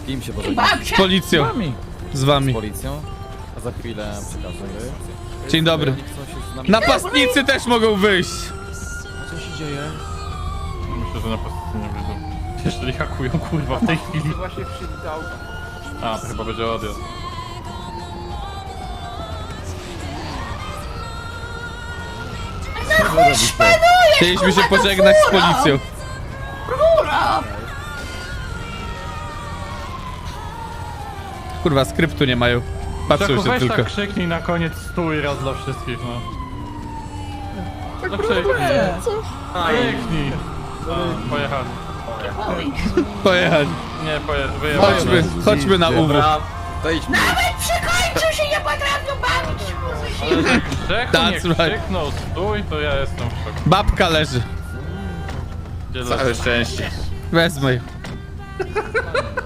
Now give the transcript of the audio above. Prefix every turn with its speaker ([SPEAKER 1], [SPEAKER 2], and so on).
[SPEAKER 1] Z kim się pożegnasz?
[SPEAKER 2] Z policją. Z wami.
[SPEAKER 1] Z policją? A za chwilę przekażę.
[SPEAKER 2] Dzień dobry.
[SPEAKER 1] Oni chcą się z nami...
[SPEAKER 2] Napastnicy też mogą wyjść.
[SPEAKER 1] Co się dzieje?
[SPEAKER 3] Myślę, że na prostu nie wyjdą. Jeżeli hakują, kurwa, w tej chwili.
[SPEAKER 4] Właśnie przywitał.
[SPEAKER 3] A, to chyba będzie odjazd.
[SPEAKER 2] Chcieliśmy się pożegnać z policją. Kurwa, skryptu nie mają. Patrzą
[SPEAKER 3] Czeku,
[SPEAKER 2] się
[SPEAKER 3] weź
[SPEAKER 2] tylko.
[SPEAKER 3] tak krzyknij na koniec stój raz dla wszystkich, no. No krzyknij. Krzyknij. A, pojechali.
[SPEAKER 2] Pojechać.
[SPEAKER 3] Nie, wyjechali.
[SPEAKER 2] Chodźmy na UW.
[SPEAKER 1] Dobra, to idźmy.
[SPEAKER 5] Przekończył się, nie potrafią bawić.
[SPEAKER 3] Ale że Grzechu
[SPEAKER 2] That's
[SPEAKER 3] nie
[SPEAKER 2] right.
[SPEAKER 3] krzyknął stój, to ja jestem w szoku.
[SPEAKER 2] Babka leży.
[SPEAKER 3] Gdzie
[SPEAKER 6] Całe szczęście.
[SPEAKER 2] Wezmę ją.